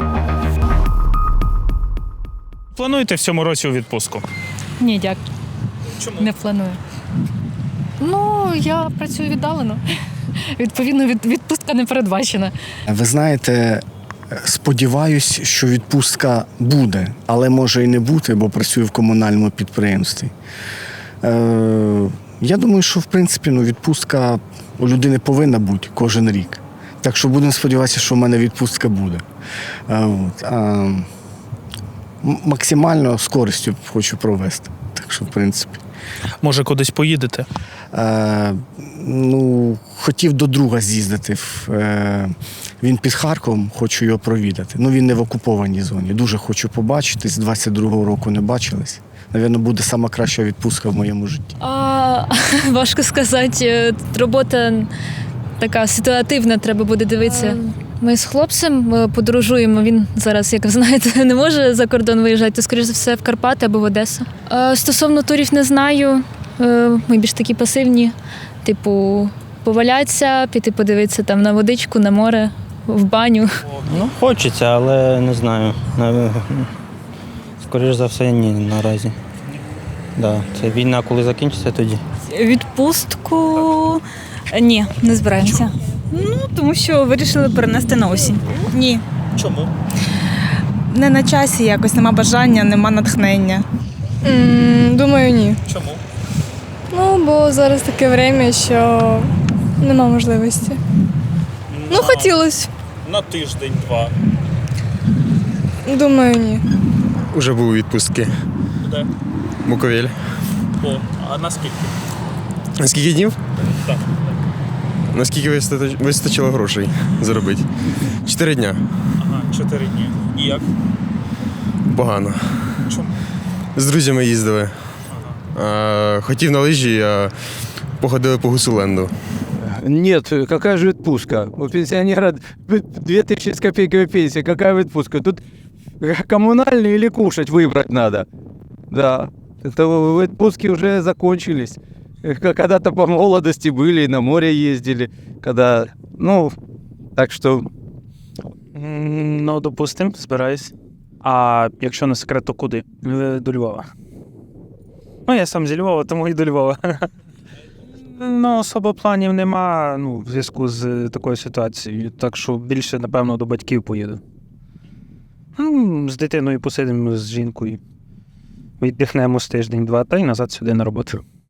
Плануєте в цьому році у відпустку? Ні, дякую. Чому? Не планую. Ну, я працюю віддалено. Відповідно, відпустка не передбачена. Ви знаєте, сподіваюсь, що відпустка буде, але може і не бути, бо працюю в комунальному підприємстві. Я думаю, що в принципі відпустка у людини повинна бути кожен рік. Так що будемо сподіватися, що в мене відпустка буде. Максимально з користю хочу провести. Так що, в принципі. Може, кудись поїдете? Хотів до друга з'їздити. Він під Харковом, хочу його провідати. Він не в окупованій зоні. Дуже хочу побачити. З 22-го року не бачились. Навірно, буде сама краща відпустка в моєму житті. Важко сказати. Робота така ситуативна, треба буде дивитися. Ми з хлопцем подорожуємо. Він зараз, як ви знаєте, не може за кордон виїжджати, то, скоріш за все, в Карпати або в Одесу. Стосовно турів не знаю. Ми більш такі пасивні. Типу, повалятися, піти подивитися там на водичку, на море, в баню. Хочеться, але не знаю. Скоріше за все, ні наразі. Да. Це війна, коли закінчиться, тоді. Відпустку ні, не збираємося. Тому що вирішили перенести на осінь. Ні. Чому? Не на часі якось, нема бажання, нема натхнення. Думаю, ні. Чому? Бо зараз таке время, що нема можливості. Хотілося. На тиждень-два. Думаю, ні. Уже був у відпустці. Де? Буковель. А наскільки? На скільки днів? Так. Наскільки вистачило грошей заробити? 4 дня. Ага, 4 дні. І як? Погано. Чому? З друзями їздили. Хотів на лижі, а походили по Гусуленду. Нет, какая же отпуска? У пенсионера 2000 с копейками пенсия, какая отпуска? Тут коммунальные или кушать выбрать надо. Да, это отпуски уже закончились. Когда-то по молодости были, на море ездили, когда, так что... Допустим, збираюсь. А якщо не секрет, то куди? До Львова. Я сам зі Львова, тому і до Львова. Особо планів нема, в зв'язку з такою ситуацією. Так що більше, напевно, до батьків поїду. З дитиною посидимо, з жінкою. Віддихнемо з тиждень-два, та й назад сюди на роботу.